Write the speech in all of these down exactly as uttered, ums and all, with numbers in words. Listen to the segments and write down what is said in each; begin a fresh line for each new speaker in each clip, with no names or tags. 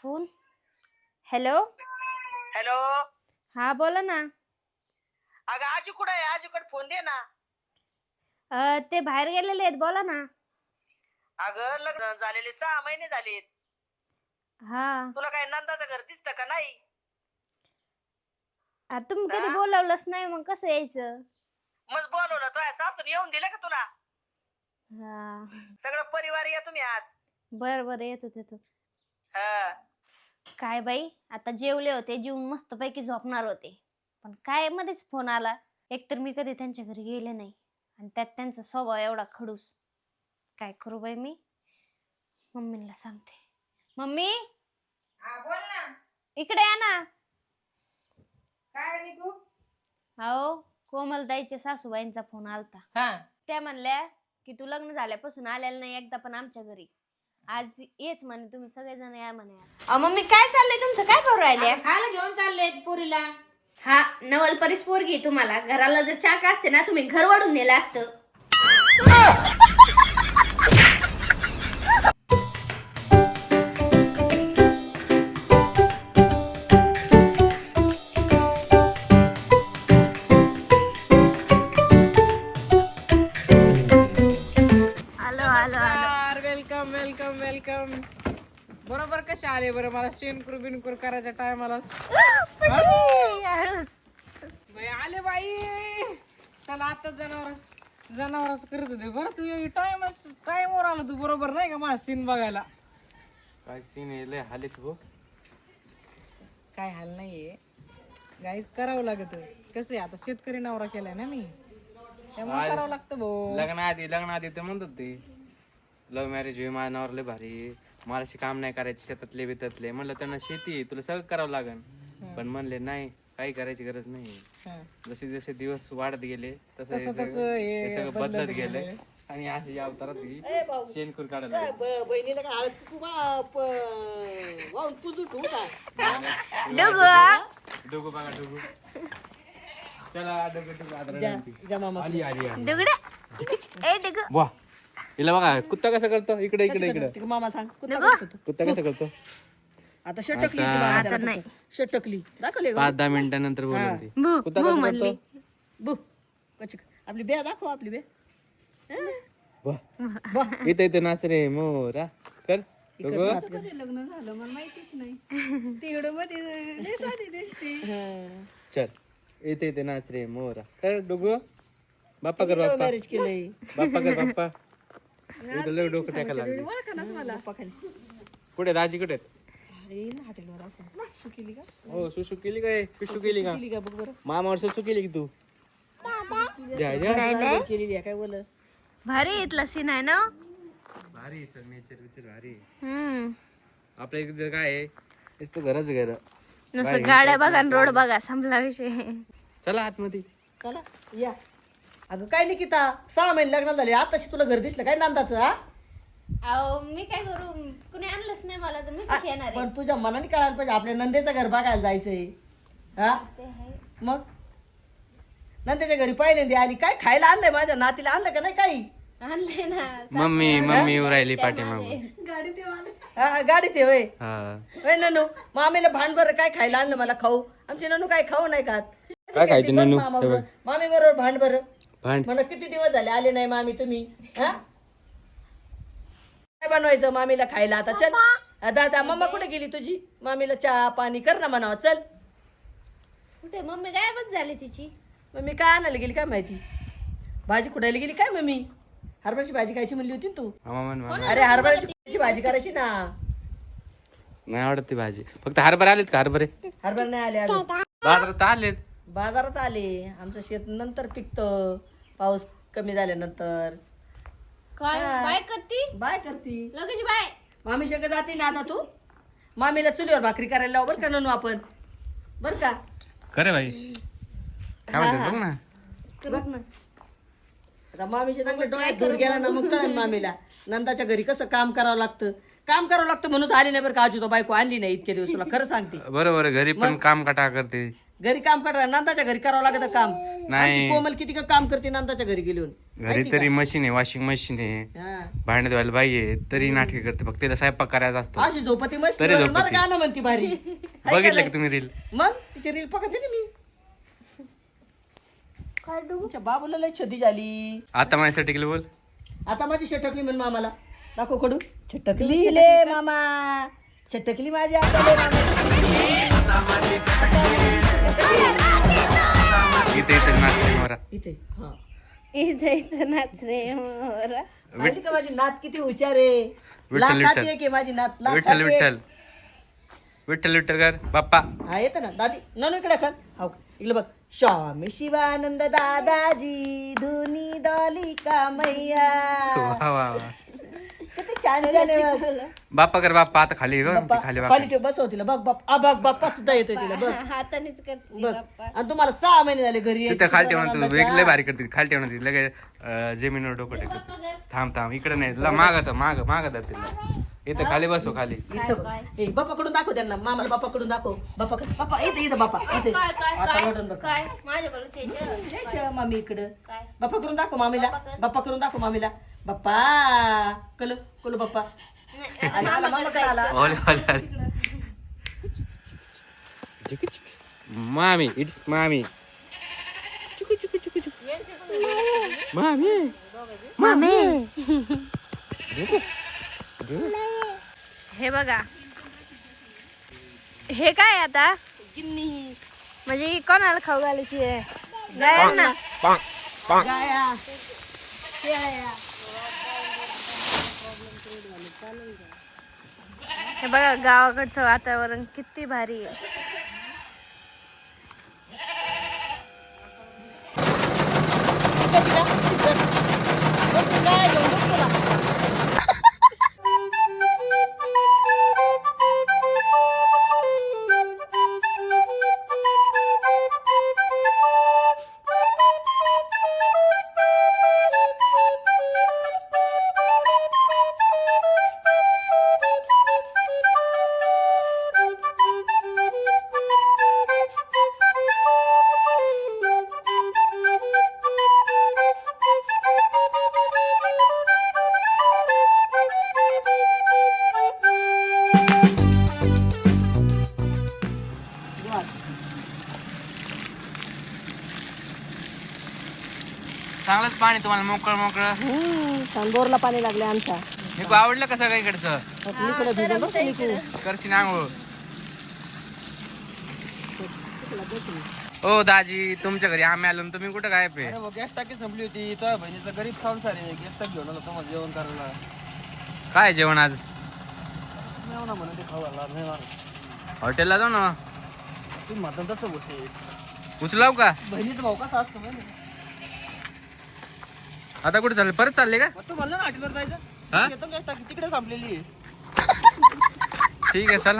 Phone. Hello
hello.
हा बोला ना.
अगं आजी कुठे आहे? आजीकडे फोन दे ना.
अ, ते बाहेर गेलेले आहेत, बोला ना.
अगं लग्न झालेले सहा महिने झालेत.
हा
तुला काय नंदाचं घर दिसतं का नाही?
आ, तुम्ही कधी
हा?
बोलावलंच नाही, मग कसं यायचं?
मग बोलवलं तुझ्या सासून येऊन दिलं का तुला?
हा
सगळं परिवार या तुम्ही आज.
बर बर येतो येतो.
हा.
काय बाई, आता जेवले होते, जेवून मस्त पैकी झोपणार होते, पण काय मध्येच फोन आला. एकतर मी कधी त्यांच्या घरी गेले नाही, आणि त्यात त्यांचा स्वभाव एवढा खडूस. काय करू बाई मी? मम्मीला सांगते. मम्मी
हा बोल ना.
इकडे या ना.
काय रे तू?
अहो, कोमलताईच्या सासूबाईंचा फोन आलता.
हा
त्या म्हणल्या की तू लग्न झाल्यापासून आलेला नाही एकदा पण आमच्या घरी. आज येच म्हणे, तुम्ही सगळेजण या म्हणे. अहो मम्मी, काय चाललंय तुमचं? काय करू राहिले?
आता खायला घेऊन चालले पोरीला.
हा, नवलपरीच पोरगी तुम्हाला. घराला जर चाक असते ना, तुम्ही घर वाढून नेलं असतं.
नमस्कार, वेलकम वेलकम वेलकम. बरोबर कसे आले बरं मला शेणकुर बिनकुर करायच्या टायमाला. बाई आले बाई. चला आता जनावर जनावरच करत होते. बरं तू टाइमच टाइमवर आलो तू बरोबर नाही का माझा सीन बघायला.
काय सीन आहे लय हालीत हो.
काय हाल नाहीये गाईच करावं लागत. कसं आहे आता शेतकरी नवरा केलाय ना मी, त्यामुळे करावं लागतं भाऊ.
लग्न आधी लग्न आधी ते म्हणतात ते लव्ह मॅरेज होई माझ्या नावावर लय भारी, मला अशी काम नाही करायचे शेतातले बितातले. म्हणलं त्यांना शेती आहे, तुला सगळं करावं लागन. पण म्हणले नाही, काही करायची गरज नाही.
हा.
जसे जसे दिवस वाढत गेले तसं हे
तसं
सगळं
तसं हे
हे सगळं
बदलत
बदलत गेले.
गेलंय.
आणि अशी अवतारात ही शेणखूर काढायला
काय ब- बहिणीला काय हळद कुकू वा- प- वाहून पुजून ठेवू का?
डोगू बघा डोगू. चला डोगू डोगू आदरा नंती.
जा मामा.
आली आली आली.
ए डिग
वा हिला बघा कुत्ता कसं करतो, इकडे इकडे इकडे.
तिकडे मामा सांग कुत्ता कसं करतो?
कुत्ता कसं करतो?
आता षटकली
आता-
ती मामा
आता
त्याला
नाही.
कुत्ता. षटकली दाखवले का?
पाच दहा मिनिटानंतर बोलून ती
भू
कुत्ता
भू
कसं
म्हणली.
करतो?
बु कची आपली बे दाखव आपली बे.
वाह. इथे इथे नाच रे मोरा कर डोगू. चल इथे इथे नाच रे मोरा कर डोगू. बाप्पा कर बाप्पा.
मॅरेज केलंय.
बाप्पा कर बाप्पा. इथं लय डोकं टाकायला लागले. कुठे दाजी कुठे आहेत?
अरे ना हॉटेलवर असं सु केली का?
हो सुसू केली काय पिशू केली का?
केली का बघ बरं.
मामावर सुसू केली की तू? जा जा.
काय केलेली आहे काय बोल.
भारी इथला सीन आहे ना.
भारी सर नेचर विचर भारी.
हम्म
आपल्या इकडे काय आहे नुसतं घरच घर.
नुसतं गाड्या बघा आणि रोड बघा, संपला विषय.
चला आतमध्ये.
चला या. अगं काय निकिता, सहा महिने लग्न झाले आताशी तुला घर दिसलं काय नंदाचं? हा
अहो मी काय करू, कुणी आणलंच नाही मला, तर मी कशी येणार आहे?
पण तुझ्या मनाने कळायला पाहिजे आपल्या नंदेचं घर बघायला जायचंय. हा
ते आहे.
मग नंदेच्या घरी पहिल्यांदा आली, काय खायला आणलंय माझ्या नातीला? आणलं का नाही काही?
आणलंय ना.
मम्मी मम्मी येऊ राहिली पाठीमागून.
हा, गाडीत आहे होय.
हा
होय ननू, मामीला भांड बरं काय खायला आणलं मला खाऊ. आमची ननू काय खाऊ नाही खात.
काय खायचं ननू? हे बघ.
मामी बरोबर भांड बरं.
भांड
म्हणा किती दिवस झाले आले नाही मामी तुम्ही. हा काय बनवायचं मामीला खायला आता? चल हा, दादा मम्मा कुठे गेली तुझी? मामीला चहा पाणी कर ना म्हणावं. चल.
कुठे मम्मी गायबच झाली तिची.
मम्मी काय आणायला गेली काय माहिती? भाजी कुठायला गेली काय मम्मी? हरभऱ्याची भाजी खायची म्हणली होती ना तू.
मामा म्हण मामा.
अरे हरभऱ्याची भाजी करायची ना.
नाही आवडत ती भाजी. फक्त हरभरे आलेत का? हरभरे
हरभरे नाही आले अजून.
बाजारात आलेत.
बाजारात आले. आमचं शेत नंतर पिकतं, पाऊस कमी झाल्यानंतर.
काय बाय करती
बाय करती
लगेच बाय.
मामी शंकर जाते ना आता तू. मामीला चुलीवर भाकरी करायला लाव बरं का ननू आपण. बरं का?
खरे भाई काय म्हणतात बघ ना.
बघ ना आता मामीच्या चांगलं डोळ्यात धूर गेला ना मग कळेल मामीला नंदाच्या घरी कसं काम करावं लागतं, काम करावं लागतं म्हणून आली नाही बरं का आजू तो बायको आणली नाही इतके दिवस तुला खरं सांगते
बरोबर घरी पण काम काटा करते
घरी काम करा नंदाच्या घरी करावं लागतं काम आमची कोमल किती का काम करते नंदाच्या घरी गेली
घरी तरी मशीन आहे वॉशिंग मशीन आहे भांडे धुवायला बाई आहे तरी नाटके करते फक्त तिला स्वयंपाक करायचा असतो
अशी झोपती मस्त
तरी झोपती.
मला गाणं म्हणती भारी
बघितलं की तुम्ही रील
मग तिची रील बघते ना मी तुमच्या बाबूला लय छदी झाली
आता माझ्यासाठी केलं बोल
आता माझी छटकली म्हण मामाला दाखव कडू छटकली ले मामा छटकली माझी आता ले मामा
इथे इथे नाचते मोरा
इथे हा
इथं इथं नाच रे मोरा.
माहिती का माझी नात किती हुशार आहे
विठ्ठल,
लाखात
विठ्ठल.
एक आहे माझी नात लाखात
विठ्ठल
एक.
विठ्ठल विठ्ठल विठ्ठल कर बाप्पा
हा येतं ना दादी ननू इकडे कर हो इकडे बघ स्वामी शिवानंद दादाजी धुनी दॉलिका मैया
वा वा वा
किती छान छान आहे बघ.
बाप्पा कर बाप्पा आता खाली बघ
बाप्पा,
ती खाली
खाली
बाप्पा
ठेव बसव तिला बघ बाप आ, बघ बाप्पा सुद्धा येतोय तिला बघ
हातानेच करते
बघ आणि तुम्हाला सहा महिने झाले घरी
तिथं खाली ठेवून तू वेगळे भारी करते खाली ठेवून ती लगे अं, जमिनीवर डोकं टेकत थांब थांब इकडे नाही ला मागत माग मागत तिला इथं खाली बसव खाली
इथं बापाकडून दाखव त्यांना मामाला बापाकडून दाखव बापा बापा इथं इथं बापा इथे आता रडून बघ
काय माझ्याकडे चेचर.
जायचं मामी इकडं
काय?
बाप्पा करून दाखव मामीला बाप्पा करून दाखव मामीला बाप्पा कलो कलो बाप्पा आला, आला, मामाकडे आला
ओले ओले ओले. मामी इट्स मामी मामी
मामी हे बघा हे काय आता
गिन्नी
म्हणजे ही कोणाला खाऊ घालायची आहे गायांना.
पांग पांग
गाया शेळ्या
हे बघा गावाकडचं वातावरण किती भारी आहे.
गाया घेऊन बघ तुला.
चांगलंच पाणी तुम्हाला मोकळं मोकळं
हम्म, बोरला पाणी लागले आमच्या
निकू आवडलं का सगळं इकडचं
इकडे भिजून बघ निकू.
करशील आंघोळ ओ दाजी तुमच्या घरी आम्ही आलो न तुम्ही कुठं काय पे
गॅस टाकी संपली होती तर बहिणीचा गरीब संसार आहे गॅस टाकी घेऊन आलो तुम्हाला जेवण करायला
काय जेवण आज
मेवना म्हणून ते खाऊ घालणार नाही मला.
हॉटेलला जाऊ ना
तुम्ही म्हणता तसं गोष्ट
उचलाव का
बहिणीचा भाऊ कसा असतो माहिती आहे?
आता कुठे चालले परत चालले का
मग तू म्हणलं ना हॉटेलवर
हा?
जायचं येतो गॅस टाकी तिकडे संपलेली आहे
ठीक आहे चला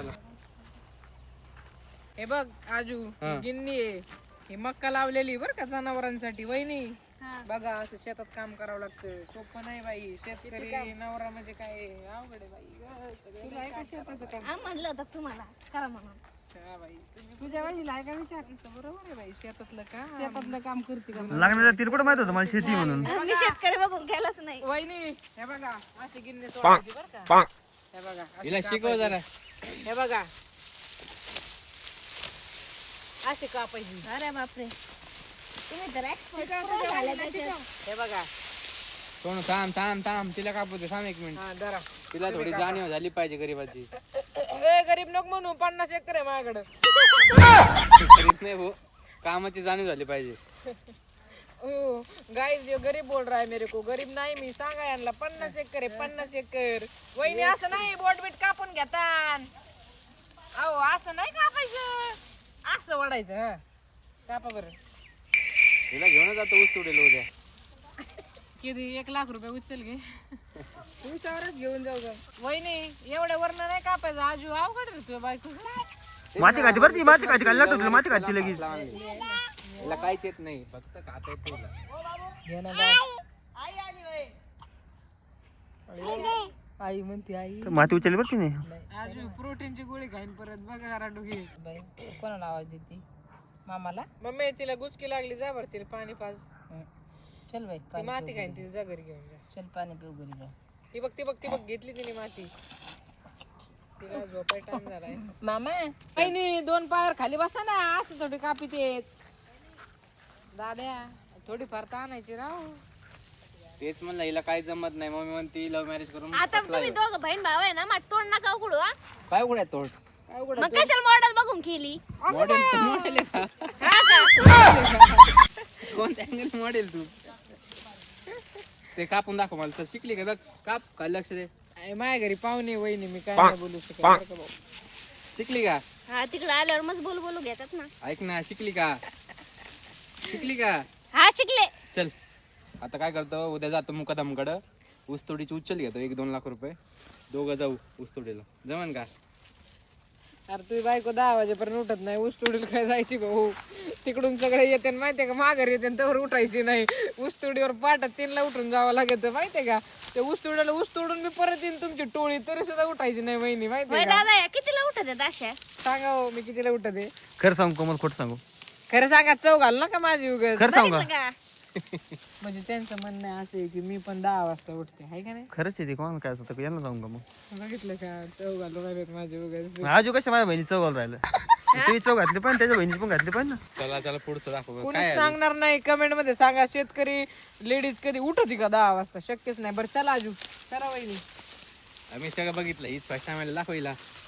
हे बघ आजू
हा.
गिन्नी आहे ही मक्का लावलेली बर का जनावरांसाठी वहिनी बघा असं शेतात काम करावं लागतं सोपं नाही बाई शेतकरी नवरा म्हणजे काय अवघड आहे बाई ग, सगळं नाही का शेताचं काम
आ, म्हणलं होतं तुम्हाला करा म्हणून.
हा बाई तुझ्या बाईला आहे का विचारायचं बरोबर आहे बाई शेतातलं का शेतातलं काम करते का
लागण्याचा तिला कुठं माहित होतं मला शेती म्हणून
मी शेतकरी बघून केलंच नाही.
वहिनी हे बघा असे गिन्ने तोडायचे बरं का हे बघा असे
हिला शिकव
कापायचे.
जरा
हे बघा असे कापायची
अरे बापरे तुम्ही तर expert
का?
pro
तुझ्या
झाले
बाईला
त्याच्यात.
शिकव. हे बघा
सोनू थांब थांब थांब तिला कापू दे थांब एक मिनिट
हा जरा
तिला थोडी जाणीव झाली पाहिजे गरीबाची
ए गरीब नको म्हणू पन्नास एकर आहे माझ्याकडे
गरीब नाही भाऊ कामाची जाणीव झाली पाहिजे
हो गाईज यो गरीब बोल रहा है मेरे को गरीब नाही मी सांगा यांना पन्नास एकर आहे पन्नास एकर वहिनी असं नाही बोट बीट कापून घेतात अहो असं नाही कापायचं असं वाढायचं हा कापा बरं
तिला घेऊन जातो ऊस तोडेल उद्या
किती एक लाख रुपये उचल घे ऊसावरच घेऊन जाऊ ग वहिनी एवढ्या वरण नाही कापायचं आजू अवघड रे तुझ्या बायको
माती खाती बरं ती माती खाती खाल्ला टोकलं माती खाती लगेच
तिला काहीच येत नाही फक्त खाता येत तिला.
घे ना बाय. आई म्हणते आई
माती उचलली बरं तिने.
आज प्रोटीनची गोळी खाईन परत बघा जरा डोकी बाई कोणाला आवाज देते मामाला मम्मी तिला गुचकी लागली जा बरं तिला पाणी पाज चल बाई ती माती खाईन तिला जा घरी घेऊन जा चल पाणी पिऊ घरी जा ती बघ ती बघ ती बघ घेतली तिने माती तिला झोपाय टाइम झालाय मामा काही नाही दोन पायावर खाली बसा ना असं थोडी कापी ते दाद्या थोडी फार आणायची राव
तेच म्हणलं हिला काही जमत नाही मम्मी म्हणती लव्ह मॅरेज करून
आता तुम्ही दोघं बहीण भाव आहे ना मग तोंड नका उघडू हा.
काय उघड्या तोड
काय उघड
मग कशाला मॉडेल बघून केली
मॉडेल मॉडेल आहे का?
हा का?
कोणत्या अँगल मॉडेल तू ते कापून दाखव मला तर शिकली का बघ काप काय लक्ष दे
आहे, माझ्या घरी पाहुणे वहिनी मी काय नाही बोलू शकत बरं का भाऊ.
शिकली का
हा तिकडे आल्यावर मग बोल बोलू घेतात ना.
ऐक ना शिकली का शिकली का
हा शिकले.
चल आता काय करतो उद्या जातो मुकादमकडं ऊसतोडीची उचल घेतो एक दोन लाख रुपये दोघं जाऊ ऊसतोडीला जमन का
अरे तुझी बायको दहा वाजेपर्यंत उठत नाही ऊस तोडीला काय जायची भाऊ तिकडून सगळे येते माहितीये का माघार येते त्यावर उठायची नाही ऊस तोडीवर पाठात तीनला उठून जावं लागत माहितीये का ते ऊस तोडीला ऊस तोडून मी परत येईन तुमची टोळी तरी सुद्धा उठायची नाही वहिनी
वय
माहितीये का
दादा या कितीला उठत आहेत अशा.
सांगा हो, मी कितीला उठत आहे
खरं सांगू कोमल खोट सांगू.
खरं सांगा चव घाल नका माझी उगाच
खरं सांगू
बघितलं
का.
का
म्हणजे त्यांचं म्हणणं आहे असं आहे की मी पण दहा वाजता उठते हाय का नाही
खरंच आहे ते कोणाला काय होतं यांना सांगू का मग.
बघितलं का चव घालून राहिलेत माझे उगाच
आजू कशा माझ्या बहिणी चौघाला राहिलं तुम्ही चौघ घातली पण त्याच्या बहिणी पण घातली पण ना.
चला चला पुढचं दाखव
कोणी
काय
सांगणार नाही कमेंट मध्ये सांगा शेतकरी लेडीज कधी उठती का दहा वाजता शक्यच नाही बरं चला आजू चला वहिनी
आम्ही सगळं बघितलं हीच फर्स्ट टाइम दाखवला